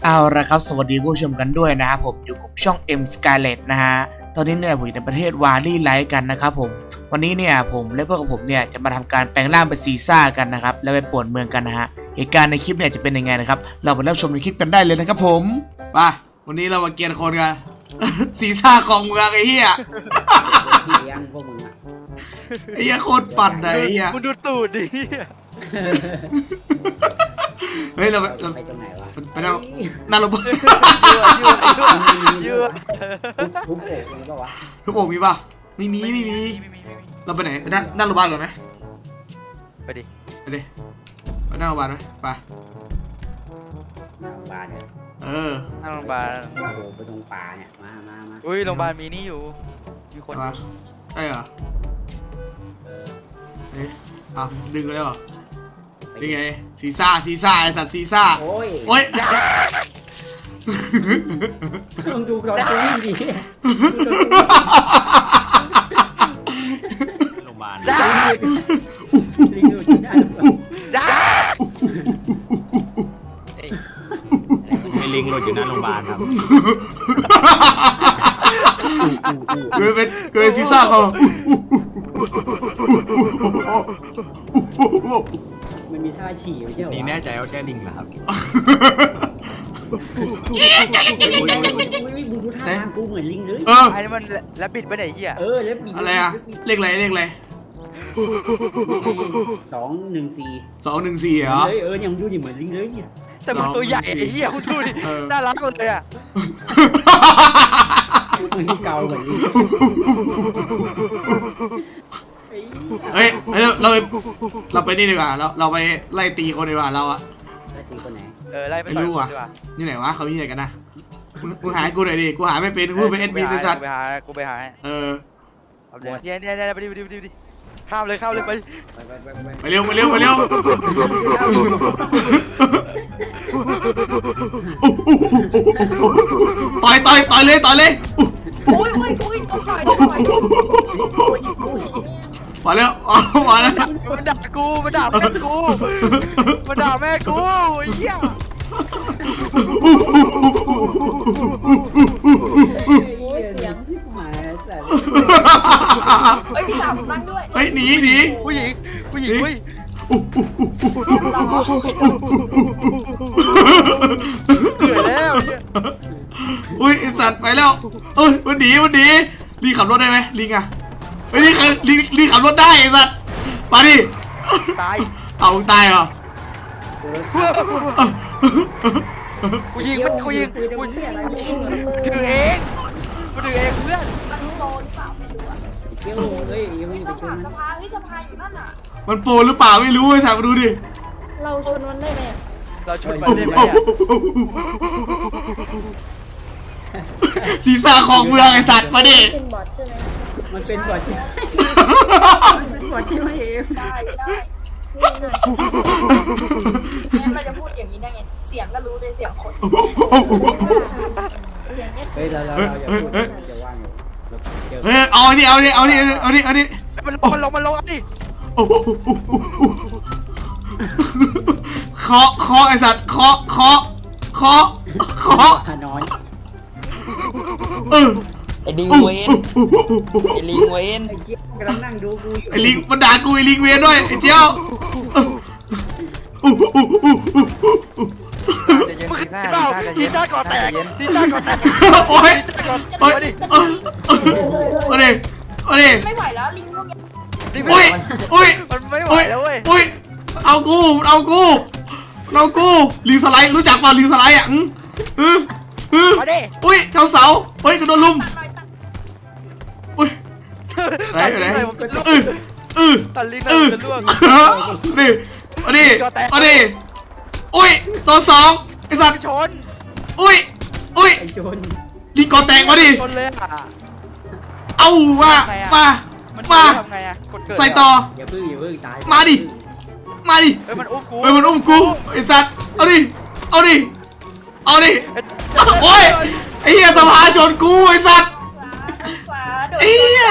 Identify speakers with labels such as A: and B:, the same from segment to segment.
A: เอาละครับสวัสดีผู้ชมกันด้วยนะครับผมอยู่กับช่อง M Scarlet นะฮะตอนนี้เนี่ยผมอยู่ในประเทศวาลี่ไลท์กันนะครับผมวันนี้เนี่ยผมและพวกกับผมเนี่ยจะมาทำการแปลงร่างเป็นซีซ่ากันนะครับแล้วไปป่วนเมืองกันนะฮะเหตุการณ์ในคลิปเนี่ยจะเป็นยังไงนะครับเราไปรับชมในคลิปกันได้เลยนะครับผมไปวันนี้เรามาเกียร์คนกัน ซีซ่าของเมืองไอ้เหี้ย
B: เลี้ยงพวกมึงอ่ะ
A: ไอ้เหี้ยโคตรปั่นเลยไอ้เหี้ย
C: มึงดูตูดดิ
A: เฮ้ยเรา
B: ไปตรงไหนวะ
A: ไปนั่งนั่งลง
C: ยั่ว
B: ทุบโอกนี่ก็วะ
A: ทุกโอ่งมีป่ะไม่มีเราไปไหนไปนั่งโรงพยาบาลก่อนไหม
C: ไปดิ
A: ไปดิไปนั่งโรงพยาบาลไหมไป
B: โรงพยาบาลเนี่ย
A: เออ
C: นั่งโรงพยาบาล
B: โอ้โหไปตรงป่าเนี่ยมา
C: อุ้ยโรงพยาบาลมีนี่อยู่มีคน
A: มาใช่เหรอ
B: เออ
A: เอ๊ะอ้าวดึงไปแล้วเหรอนี่ไงซีซ่าไอสัตว์ซีซ่า
B: โอ้ย
A: โอ้ย
B: มึงดูตอนกูวิ่งดิ
D: โรงพยาบาล
C: จ้า
B: ลิงดูที่หน้า
C: จ้า
D: มีลิงหลุดอยู่หน้าโรงพยาบาลครับ
A: เกิดเป็นซีซ่าเขา
B: มันมีท่าฉี่ไม่ใช่เหรอ
D: นี่แน่ใจว่าแค่ลิงเหรอครับ
B: มึงดูท่าทางกูเหมือนลิงเลย
A: เออ
C: ไอ้นี่มันแรบบิดไปไหนเหี้ย
B: เออแล้วมี
A: อะไรอะเลขอะไร
B: 214
A: 214เหรอ
B: เลยเนี่ยมึงดูดิเหมือนลิงเลยเนี่ย
C: แต่มันตัวใหญ่ไอ้เหี้ยคุณดูดิน่ารักเลยอ่ะ
B: มันเกาเหมือนลิง
A: เฮ้ยเราไปนี่ดีกว่าเราไปไล่ตีคนดีกว่าเราอะ
B: ได้ตีคนไหน
C: ไล่ไปต่อยดีกว่า
A: นี่ไหนวะเขามีไหนกันนะมึงหากูหน่อยดิกูหาไม่เป็นกูเป็นเอ็นบีสัตว์
C: กูไปหา
A: เออ
C: เนี่ยไปดิข้ามเลยไป
A: ไปเร็วต่อยเลย
E: อุ้ยต้องต่อย
A: มาแล้วมาแล้ว
C: มันด่ากูมันด่าแม่กูไอ้เหี้ย
B: โอ้ยเสียงชิบหายสัตว์
E: เฮ้ยพี่สาวผมนั่งด้วย
A: เฮ้ยหนี
C: ผู้หญิงเว้ยเหนื่อยแล้วเนี่ย
A: อุ้ยไอสัตว์ไปแล้วเอ้ยมันหนีลิงขับรถได้ไหมลิงอะเฮ้ยลิงขับรถได้ไอสัตว์มาดิ
C: ตาย
A: เอาตายเหรอ
C: กูยิงถือเองเพื่อน
E: มันโดนหรือเปล่าไม่รู้อะ
B: เกี้ยวเฮ้ยยังไม่
E: ไม่
B: ไป
E: ต้อง
B: ช
E: ถาน มสภาเฮ้ยสภาอยู่นั่นน่ะ
A: มันโปรหรือเปล่าไม่รู้ไอสัตว์มาดูดิ
E: เราชนมันได้ไหม
C: เราชนมันได้ไหมอ่ะ
A: ศีรษะของเมืองไอสัตว์มาดิ
E: เป็นบอทใช่ไหม
B: มันเป็นบอดใช่เป็นบอดใช่ไหมเอ็ม
E: ได้มันจะพูดอย่างนี้ได้ไงเสียงก็รู้เลยเสียงคนเสียงเนี้ย
B: เฮ้ยเราอย่าพูดจะว่างอยู่เจอ
A: เฮ้ยเอาดิ
C: มันลงดิ
A: เคาะไอสัตว์เคาะ
B: นอน
F: ไอ้ลิงเวนไอ้ลิงเวน
B: ไอ้เกี้ยวกำลังนั่งดูกูอยู่
A: ไอลิงมันด่ากูไอลิงเวียนด้วยไอเจ้า
C: ทีซ่าก่อแตก
A: โอ้ยมาดิ
E: ไม่ไหวแล้วลิงพวกนี้
A: อุ้ย
C: มันไม่ไหวแล้วเว้ย
A: อุ้ยเอากูลิงสไลด์รู้จักป่ะลิงสไลด์อ่ะ
C: มาดิ
A: อุ้ยเจ้าเสาเฮ้ยกระโดดลุมอุ้ยไหน
C: ตัดลิ้นเลยจะล่วง
A: ดิอุ้ยตัวสองไอสัตว์
C: ชน
A: อุ้ย
B: ไอ้ชน
A: ลิงกอแตกมาดิ
C: ชนเลยอ่ะ
A: เอามา
C: ทำไงอ่ะกดเกิด
A: ใส่ต่อ
B: อย่าพึ่งตาย
A: มาดิ
C: เฮ้ยมันอุ้มกู
A: มันอุ้มกูไอสัตว์เอาดิโอ้ยไอเหี้ยสภาชนกูไอสัตว์
E: ฟ้าโดน
A: ไอ้เหี้ย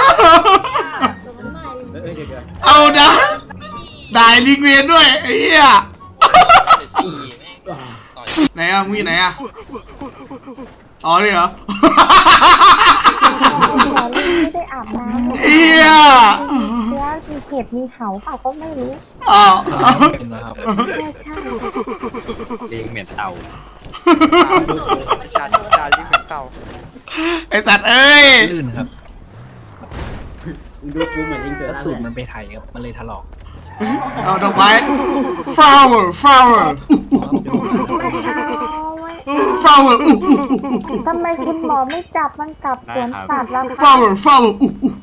B: เดี๋ยว
A: เอานะได้ลิงเวียนด้วยไอ้เหี้ย
F: สี่แม่งต่อย
A: ไหนนอะมึงอยู่ไหนอะอ๋อนี่เหรอ
G: ไม่ได้อาบน้ำ
A: เอีย
G: เชื้อมีเห็บมีเขาเปล่าก็ไม่รู้
A: อ้าว
D: เป็นนะครับ
G: ใช่ใช่
D: ลิงเหม็นเต่า
C: จานลิงเหมือนเต่า
A: ไอสัตว์เอ้ย
B: ลื่นครับ
F: ดูกูเหมือนลิงเสือ
B: แล้ว
F: ล่า
B: ตูดมันไปไถครับมันเลยถลอก
A: เอาดอกไม้ flower flower
G: เอาไว้
A: flower
G: ทำไมคุณหมอไม่จับมันกลับสวนสัตว์ล่ะคะ
A: flower flower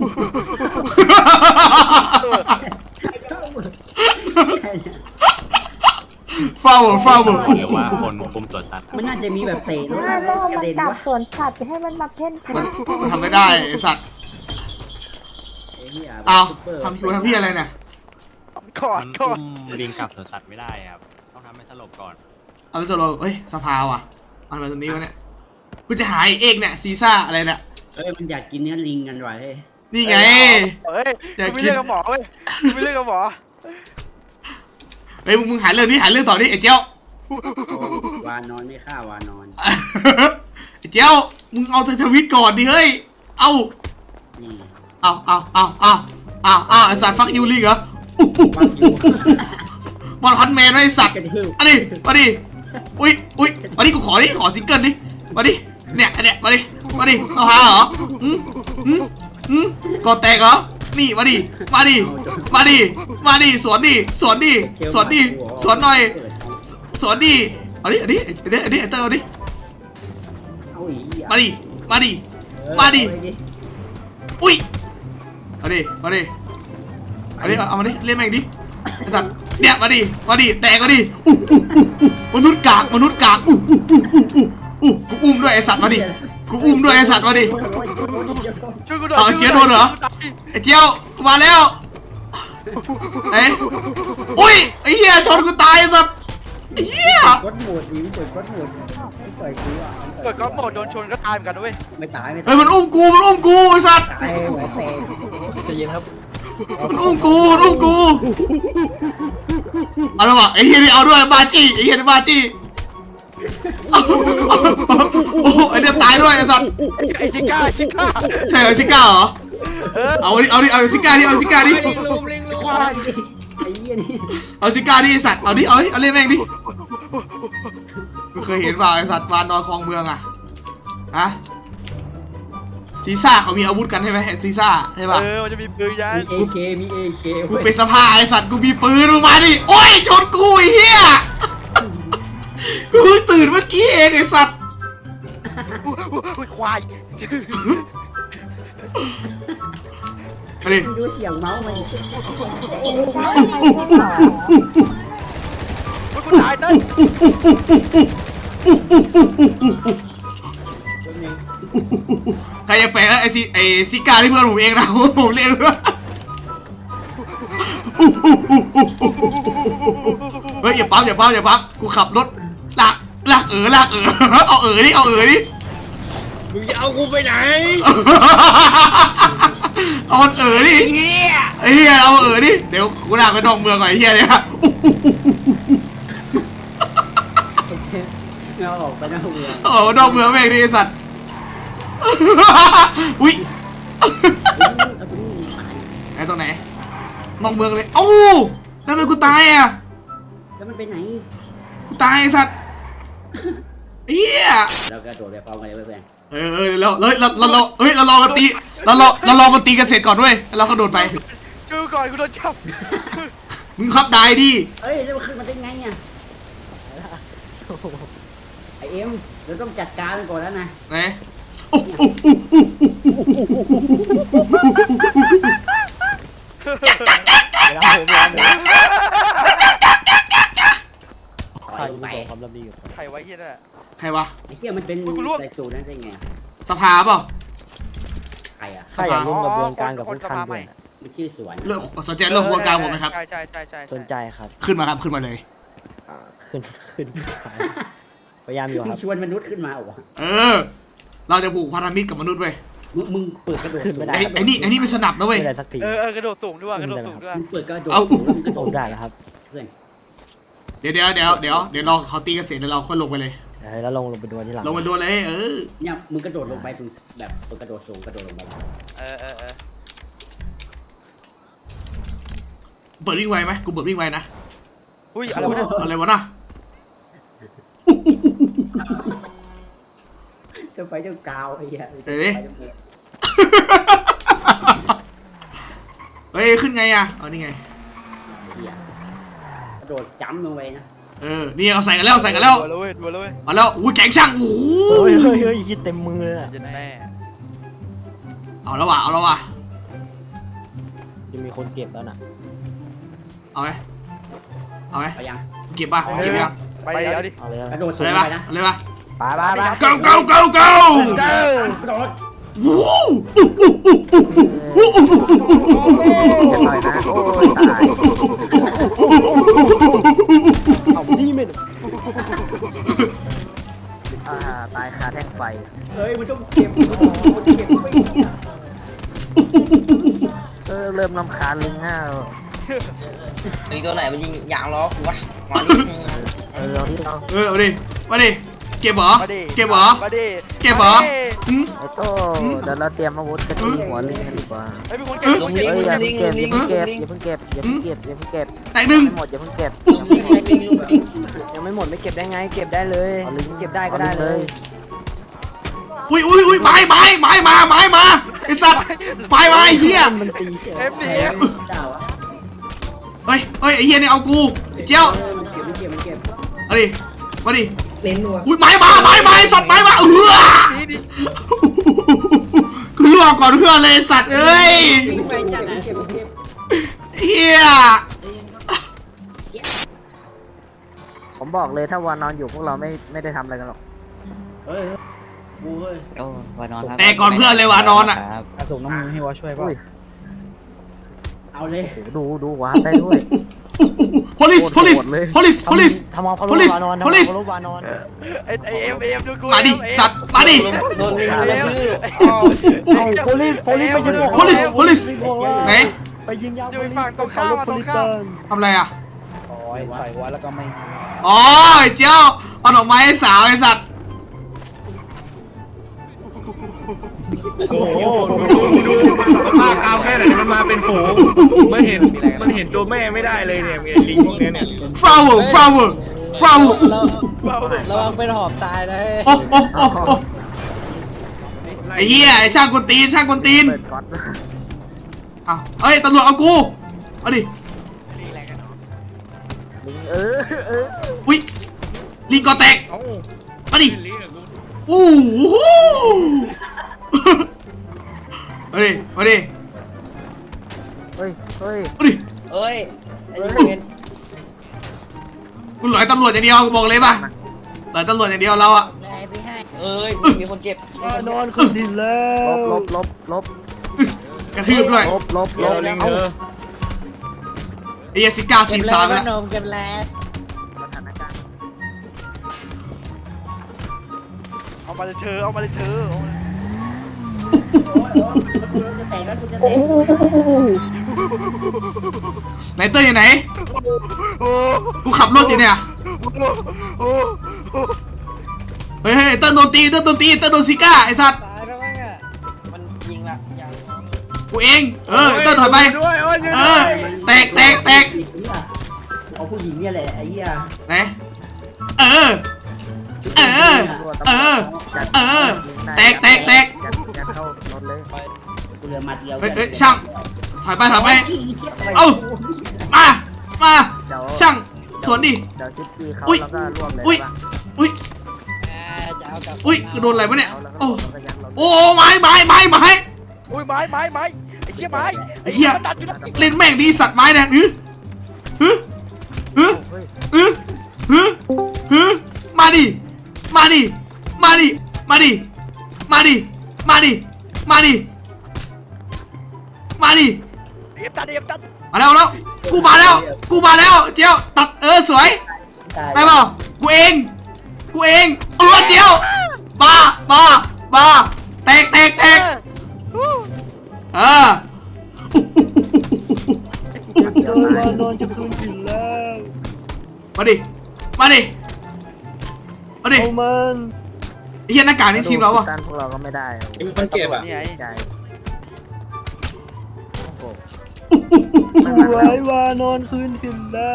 A: flower flower
D: หรือว่าคนคุมสวนสัตว์
F: มันน่าจะมีแบบเตะรถ
G: ถ้า
F: อะไร
G: โล
F: กระ
G: มัน
F: เด็น
G: กลับ
F: วะ
G: สวนสัตว์จะให้มันมาเพ่นพ่าน
A: มันทำไม่ได้ไอสัตว์
F: ไอ้เหี้ย
A: เอา
F: ซุปเปอร์
A: ทำคิวทำพี่อะไรเนี่ย
C: กอด
D: มัน
C: กอ
D: อุ้
C: ด
D: มลิงกลับสวนสัตว์ไม่ได้ครับต้องทำให้สลบก่อน
A: เอาไปสโลว์เฮ้ยสภาว่ะเอามาตรงนี้วะเนี่ยกูจะหายเอกเนี่ยซีซ่าอะไรเนี่ย
F: เอ้ยมันอยากกินเนื้อลิงกันว่ะเฮ้ย
A: นี่ไง
C: เฮ้ยกูไม่เลือกกับหมอเว้ยกูไม่เลือกกับหมอ
A: เฮ้ยมึงหาเรื่องนี้หาเรื่องต่อนี่ไอ้เจ้า
F: วานอนไม่ฆ่าวานอน
A: ไอ้เจ้ามึงเอาทวิตก่อนดิเฮ้ยเอา
F: นี่
A: เอาไอสัตว์ฟักยูลิงเหรอมอนพันแมนไอสัตว์
F: กระดิ่ง
A: อันนี้มาดิอุ้ยมาดิกูขอซิงเกิลดิมาดิเนี่ยอันเนี้ยมาดิเอาหาเหรอก่อแตกเหรอนี่มาดิสวนหน่อยสวนดิเอาดิไอเตอร์เอาดิ
F: เอาอีก
A: มาดิอุ้ยเอาดิเอามาดิเล่นแม่งดิไอ้สัตว์เนี่ยมาดิแตกมาดิมนุษย์กากกูอุ้มด้วยไอ้สัตว์มาดิกูอุ้มด้วยไอ้สัตว์มาดิ
C: ช่วยกูหน่อย
A: เอาเจี๊ยบโดนเหรอ ไอ้เจียวมาแล้วเอ้ยอุ้ยไอ้เหี้ยชนกูตายไอ้สัตว์ไอ้เหี้ย
F: กดโหมดดิเปิดกดโหมดไม่เปิดกูอ่ะ
C: เกิดก็หมดโดนชนก็ตายเหมือนกันด้วย
F: ไม่ตาย
A: เฮ้ยมันอุ้มกูไอ้สัตว์
F: ตายเหมือนเตะ
B: ใจะเย็นครับ
A: มันอุ้มกูเอาละวะไอ้เหี้ยนี่เอาด้วยบาจี้ไอ้เหี้ยนี่บาจี้โอ้ไอ้เนี่ยตายด้วยไอ้สัตว์
C: ไอ้ชิก้า
A: ใช่เหรอซิก้าเหรอเอาซิก้าดิ
F: ไอ้เหี้ยนี่
A: เอาซิก้าดิไอ้สัตว์เอาเล่นแม่งดิมึงเคยเห็นเปล่าไอ้สัตว์วานนอนคลองเมืองอะฮะซีซ่าเขามีอาวุธกันใช่ไหมซีซ่าใช่ป่ะ
C: มันจะมีปืนยัน
F: มีเอเค
A: กูเป็นสภาไอ้สัตว์กูมีปืนมึงมาดิโอ้ยชนกูไอ้เหี้ยกูเพิ่งตื่นเมื่อกี้เองไอ้สัตว์
C: ควาย
A: มาดิ
F: ดูเสียงเมาส์มัน
C: กูตายเต้น
A: ใครจะแปลงนะไอ้ซิก้าที่เพื่อนผมเองนะผมเล่นด้วยเฮ้ยอย่าปั๊มกูขับรถลากเอาดิ
B: มึงจะเอากูไปไหน
A: เอามันดิไอ้เหี้ยเอาดิเดี๋ยวกูลากไปนอกเมืองหน่อยไอ้เหี้ยเนี่ย
F: เราออกไปนอกเมือง
A: โอ้นอกเมืองแม่งดิไอ้สัตว์อุ้ยไอ้ตรงไหนนอกเมืองเลยเอ้านั่นเลยกูตายอ่ะ
F: แล้วมันไปไหน
A: กูตายไอ้สัตว์เฮีย
F: เรากระโดดไปพร้อมกันเลยเพื่อน
A: เราลองกันตีเราลองกันตีกันเสร็จก่อนด้วยแล้วเราก็โดดไป
C: ช่วยก่อนกูโดนจับ
A: มึงครับได้ดิ
F: เฮ้ยแล้วมันขึ้นมาได้ไงอ่ะไอเอ็มเราต้องจัดการมันก่อนแล้วนะ
A: ไหน
F: ปล่อยไป
C: ใครไว้เฮียน่ะ
A: ใครวะ
F: ไอ้เหี้ยมันเป็นใส่สูตรนั้นได้ไง
A: สภาเปล่า
F: ใครอ่ะ
C: ใครอยากร่วมกระบวนการกับพวกท่านด้วย
F: มันชื่อสวน
A: เรื่องสนใจเรื่องกระบวนการผมนะครับ
C: ใช่
H: สนใจครับ
A: ขึ้นมาเลย
H: ขึ้นพยายามอยู่ค
F: มึ
H: รั
F: ง
H: บ
F: ชวนมนุษย์ขึ้นมาเหรอ
A: เราจะผูกพันธมิตรกับมนุษย์เว้ย
F: มึงเปิดกระโดด
H: ขึ้นไม่ได้
A: ไอ้นี่เป็นสนับนะเว้ย
H: ไม่ได้สักที
C: กระโดดสูงด้วยกระโดดสูงด้วย
F: มึงเปิดกระโดด
A: เอา
F: กระโด
H: ผม
F: ด
H: ได้แล้วครับ
F: เพื่อน
A: เดี๋ยวเราเขาตีกันเสร็จแล้วเราค่อยลงไปเลย
H: แล้วลงไปดูที่หลัง
A: ลงมาโดนเลย
F: เนี่ยมึงกระโดดลงไปสูงแบบกระโดดสูงกระโดดลงไป
C: เออ
A: เปิดวิ่งไวไหมกูเปิดวิ่งไวนะ
C: อุ้ยอะไรวะเนี่ย
A: อะไรวะน่ะ
F: จะไฟเจ้ากาวไอ้เหี้ย
A: เฮ้ยขึ้นไงอ่ะเอานี่ไง
F: กระโดดจ้ำลงไปนะ
A: นี่เอาใส่กันแล้วใส่กันแล้ว
C: ดูเว้ย
A: มาแล้วอู้แกงช่างโอ้
H: เฮ้ยคิดเต็มมือเลยอะ
C: จะแน่
A: เอาแล้วว่ะ
H: จะมีคนเก็บแล้วนะ
A: เอาไหม
F: ไปยัง
A: เก็บป่ะเก็บยัง
C: ไปเดี๋ยวดิ
H: เอาเลย
F: กระโดดสู
A: อะ
F: ง
A: ไร
F: ไป
A: ป่ะ
F: นะ
A: อะไรป่ะ
H: ไป
A: go
F: กระโดด
H: หน่อยนะโอ้ยตายเอานี่ไม่ตายคาแท่งไฟ
F: เฮ้ยมึงต้องเก็บไป
H: เริ่มรำคาญลิงห้า
I: นี่ตัวไหนมันยิงยางล้อกูวะมาดิ
H: เอาที่เรา
A: เอาดิมาดิเก็บเหรอ
C: มาดิ
A: เก็บเหรอ
C: มาดิ
A: เก็บเหรอ
H: ไอ้โต้เดี๋ยวเราเตรียมอาวุธกันที่หัวลิงกันดีกว่า
C: ไอ้เป็นคนเก็บ
I: ลงลิง
H: อย่า
I: ลิ
H: เพิ่
I: ง
H: ง
I: ลิ
H: เก็บ
I: ง
H: อย่า
I: ลิ
H: เพิ่
I: ง
H: งเก็บอย่าเพิ่งเก็บอย่าเพิ่งเก็บ
A: แตกหนึ่ง
H: ไม่หมดอย่าเพิ่งเก็บ
I: ลงลิงลิงลิง
H: ยังไม่หมดไม่เก็บได้ไงเก็บได้เลยเอาลิงเก็บได้ก็ได้เลย
A: อุ้ยไม้มาไอ้สัตว์ไม้มาไอ้เหี้ย
H: มันตี
C: เอฟดิ
F: เจ้าอ่ะ
A: เฮ้ยไอ้เหี้ยนี่เอากูเจ้า
F: มันเก็บ
A: เอาดิมาดิ
F: เล่นนัว
A: อุ้ยไม้มาไอ้สัตว์ไม้มา
C: ดิ
A: กูล่วงก่อนเพื่อนเลยสัตว์เอ้ย
I: ไปจัดนะ
A: เฮีย
H: ผมบอกเลยถ้าวานนอนอยู่พวกเราไม่ได้ทำอะไรกันหรอก
F: เฮ้ยบูเฮ้ย
I: โอ้วานอน
A: แต่ก่อนเพื่อนเลยวานอนอ่ะ
H: ส่งน้ำมือให้วอช่วยป่ะ
F: เอาเลย
H: ดูวานได้ด้วย
A: police
H: ทำเอาพารุวานอนทำเอาพารุวานอน
C: ไอ้เอ็มดูกู
A: มาดิสัตว์มาดิ
I: โดนลิงกระทืบ
H: เอาโพลิสไปยิงพวก
A: police ไหน
H: ไปยิงยาว
C: อยู่ฝั่งตรงข้ามตรงข้าม
A: ทำอะไรอ่ะ
H: โอ้ยใส่หัวแล้วก็ไม่
A: อ๋อไอ้เจ้าเอาดอกไม้ให้สาวไอ้สัตว์
J: โอ้โหมากาวแค่ไหนมันมาเป็นฝูงมันเห็นตัวแม่ไม่ได้เลยเนี่ยลิงพวกนี้เนี่ย
A: flower
I: ระวังเป็นหอบตายนะ
A: โอ้ไอ้เหี้ยไอ้ช่างกวนตีน
H: เปิดก๊อต
A: อ้าวเอ้ยตำรวจเอากูเอาดิ
H: ลิง
A: อุ้ยลิงก่อแตก
J: เอ้า
A: มาดิ
J: ลิงอะกู
A: อู้หูมาดิ
H: เฮ้ย
A: มาดิ
I: เอ้ยไอ้เงิน
A: กูหลอยตำรวจอย่างเดียวกูบอกเลยป่ะหลอยตำรวจอย่างเดียวเราอะ
I: ได้ไปให้เอ้ยมีคนเก็บ
H: นอนขึ้นดินแล้วลบ
A: กระทืบด้วย
H: ลบ
J: ลิงเออ
A: ไอ้เหี้ยสิก้า
I: เก็
A: สิ
I: บบ แล้
A: สาว ม
I: ก็
A: แล้ว
I: นมเก็บแล้ว
H: สถานการณ์
C: เอามาเลยเธอ
F: จะแตกแล้วจะแตก
A: ไหนเต้ยอยู่ไหน
C: โอ้
A: กูขับรถอยู่เนี่ย
C: โอ้
A: เฮ้ยเต้ยโดนตีเต้ยโดนซิก้าไอ้สัตว์
I: ตายแล้วมั้งอ่ะมันยิงละยัง
A: กูเองเต้ยถอยไป
J: ด้วยโอ้ย
A: แตก
F: เอาผู้หญิงเนี่ยแหละไอ้เหี้ย
A: ไหนแตก
H: ยัดเข้ารถเลย
F: กูเหลือมัดเดียว
A: เฮ้ยช่างถอยไปเอ้ามาช่างสวนดิ
H: เดี๋ยวชิปจี้เขา
A: อุ๊ย
H: แล้วก็รวบเลย
A: อุ้ย
I: จะเอากับ
A: อุ้ยโดนอะไรวะเนี่ย
H: โอ้
A: โอ้ไม้
C: อุ้ยไม้ไอ้เหี้ยไม้
A: ไอ้เหี้ย
C: มันดัดอยู่นะ
A: เล่นแม่งดีสัตว์ไม้เนี่ยมาดิมาดิ
C: เอ็มตัด
A: มาแล้วกูมาแล้วเจียวตัดสวยได้เปล่ากูเองเจียวบ้าแตก
H: นอนจะคืนกินแล้ว
A: มาดิมาดิไอ้เหี้ยหน้ากากนี่ทีมเราวะ
H: ต้านพวกเราก็ไม่ได้
J: มันเก็บอ่ะ
C: นี่ไง
H: ใจโอ้โห
F: สวยวานอนคืนถิ่นแล้ว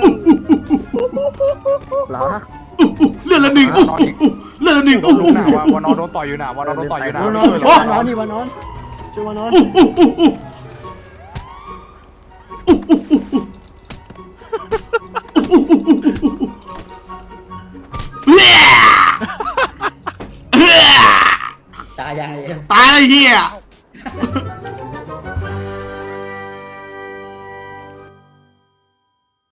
H: เหรอ
A: เลือดละหนึ่งโอ้โหเลือดละหนึ่งโอ้โห
D: วานอนโดนต่อยอยู่นะวานอนโดนต่อยอยู่นะ
F: วานอนช่วยวานอนนี่วานอนช่วยวานอนตายาย
A: ตายไอ้เหี้ย